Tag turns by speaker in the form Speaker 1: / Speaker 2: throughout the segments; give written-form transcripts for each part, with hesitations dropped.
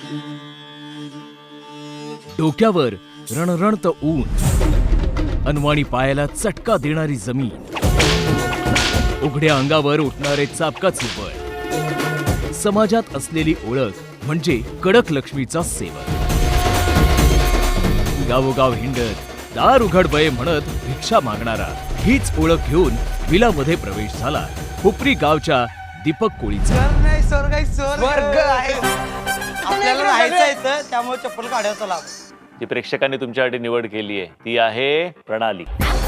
Speaker 1: डोक्यावर रणरणत ऊन, अनवाणी पायाला चटका देणारी जमीन, उघड्या अंगावर उठणारे चाबकाचे बळ, समाजात असलेली ओळख म्हणजे कडक लक्ष्मीचा सेवक. गावोगाव हिंडत दार उघड बये म्हणत भिक्षा मागणारा, हीच ओळख घेऊन विलामध्ये प्रवेश झाला हुपरी गावच्या दीपक कोळीचा.
Speaker 2: स्वर्ग आहे. आपल्याला राहायचं त्यामुळे चप्पल काढायचं लाभ.
Speaker 3: जी प्रेक्षकांनी तुमच्यासाठी निवड केली आहे ती आहे प्रणाली.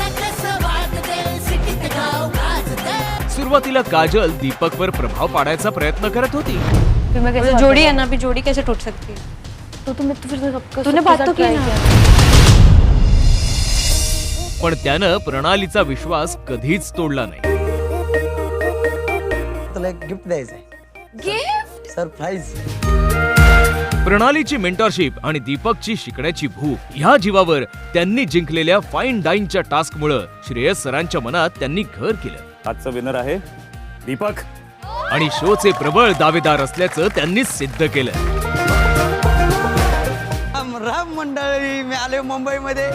Speaker 1: सुरुवातीला काजल दीपकवर प्रभाव पाडायचा प्रयत्न करत होती.
Speaker 4: जोड़ी है ना, अभी जोड़ी कैसे टूट सकती है? तो तूने बात तो की ना.
Speaker 1: पण त्यानं प्रणालीचा विश्वास कधीच तोडला नाही.
Speaker 2: तुला एक गिफ्ट द्यायचंय.
Speaker 4: गिफ्ट?
Speaker 2: सरप्राईज.
Speaker 1: प्रणालीची मेंटरशिप आणि दीपकची शिकण्याची भूक ह्या जीवावर त्यांनी जिंकलेल्या फाईन डाईनच्या टास्कमुळे श्रेयस सरांच्या मनात त्यांनी घर केलं.
Speaker 3: आजचा विनर आहे दीपक
Speaker 1: आणि शोचे प्रबळ दावेदार असल्याचं त्यांनी सिद्ध केलं.
Speaker 2: राम मंडळी, मी आले मुंबईमध्ये.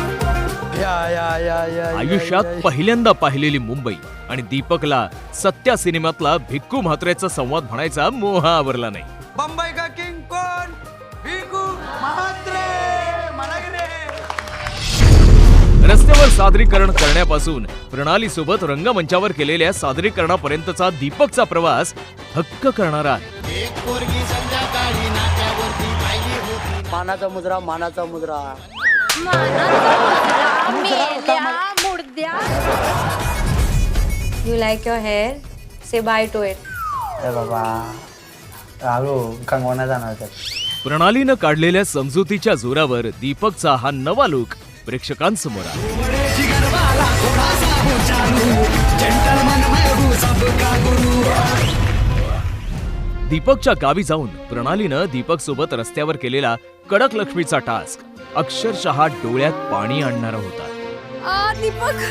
Speaker 1: आयुष्यात पहिल्यांदा पाहिलेली मुंबई आणि दीपकला सत्या सिनेमातला भिक्कू म्हात्रेचा संवाद म्हणायचा मोह आवरला नाही.
Speaker 2: बंबई का किंग कोण? भिक्कू म्हात्रे. मला की नाही?
Speaker 1: रस्त्यावर सादरीकरण करण्यापासून प्रणाली सोबत रंगमंचावर केलेल्या सादरीकरणापर्यंतचा दीपकचा प्रवास हक्क करणारा आहे.
Speaker 2: मानाचा मुद्रा, मानाचा मुद्रा.
Speaker 4: You like your hair? Say bye to it.
Speaker 2: बाबा राहू कंगवाना जाणार तर.
Speaker 1: प्रणालीनं काढलेल्या समजुतीच्या जोरावर दीपकचा हा नवा लुक प्रेक्षकांसमोर आहे. दीपकच्या गावी जाऊन प्रणालीनं दीपक सोबत रस्त्यावर केलेला कडक लक्ष्मीचा टास्क अक्षरशः डोळ्यात पाणी आणणारा होता.
Speaker 4: दीपक,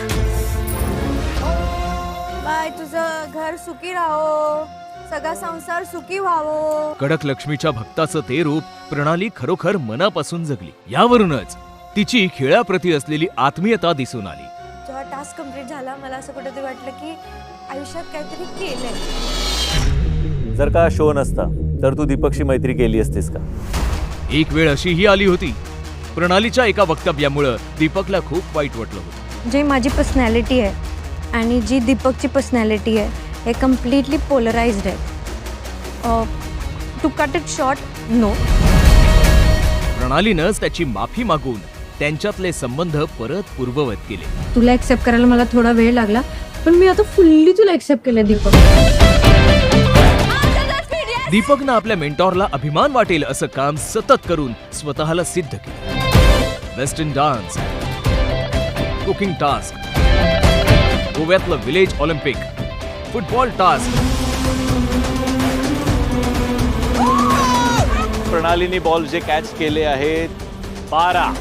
Speaker 4: बाय. तुझं घर सुखी राहो, सगळा संसार सुखी व्हावो.
Speaker 1: कडक लक्ष्मीच्या भक्ताचं ते रूप प्रणाली खरोखर मनापासून जगली. यावरूनच तिची खेळाप्रती असलेली आत्मीयता दिसून आली.
Speaker 4: जेव्हा टास्क कंप्लीट झाला मला असं कुठेतरी वाटलं की आयुष्यात काहीतरी केलंय.
Speaker 3: जर का शो नसता तर तू दीपकशी मैत्री केली असतीस का?
Speaker 1: एक वेळ अशीही आली होती. प्रणालीच्या एका वक्तव्यामुळं दीपकला खूप वाईट वाटलं होतं.
Speaker 4: जी माझी पर्सनॅलिटी आहे आणि जी दीपकची पर्सनॅलिटी आहे हे कम्प्लिटली पोलराइज्ड आहे. To cut it short, no.
Speaker 1: प्रणालीनंच त्याची माफी मागून त्यांच्यातले संबंध परत पूर्ववत केले.
Speaker 5: तुला एक्सेप्ट करायला मला थोडा वेळ लागला, पण मी आता फुल्ली तुला एक्सेप्ट केलं दीपक.
Speaker 1: दीपकनं आपल्या मेंटॉरला अभिमान वाटेल असं काम सतत करून स्वतःला सिद्ध केलं. वेस्टर्न डान्स, कुकिंग टास्क, गोव्यातलं विलेज ऑलिम्पिक, फुटबॉल टास्क.
Speaker 3: प्रणालीने बॉल जे कॅच केले आहेत 12.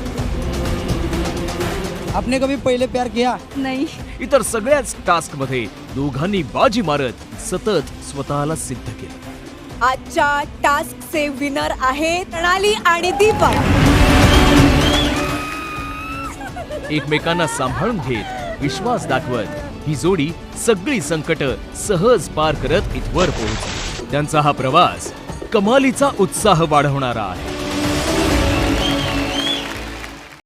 Speaker 2: आपने कभी पहिले प्यार किया?
Speaker 5: नाही.
Speaker 1: इतर सगळ्याच टास्क मध्ये दोघांनी बाजी मारत सतत स्वतःला सिद्ध केलं.
Speaker 4: आजच्या टास्कचे विनर आहेत प्रणाली आणि दीपक.
Speaker 1: एकमेकांना सांभाळून घेत, विश्वास दाखवत ही जोडी सगळी संकट सहज पार करत इथवर पोहोचली. त्यांचा हा प्रवास कमालीचा उत्साह वाढवणारा आहे.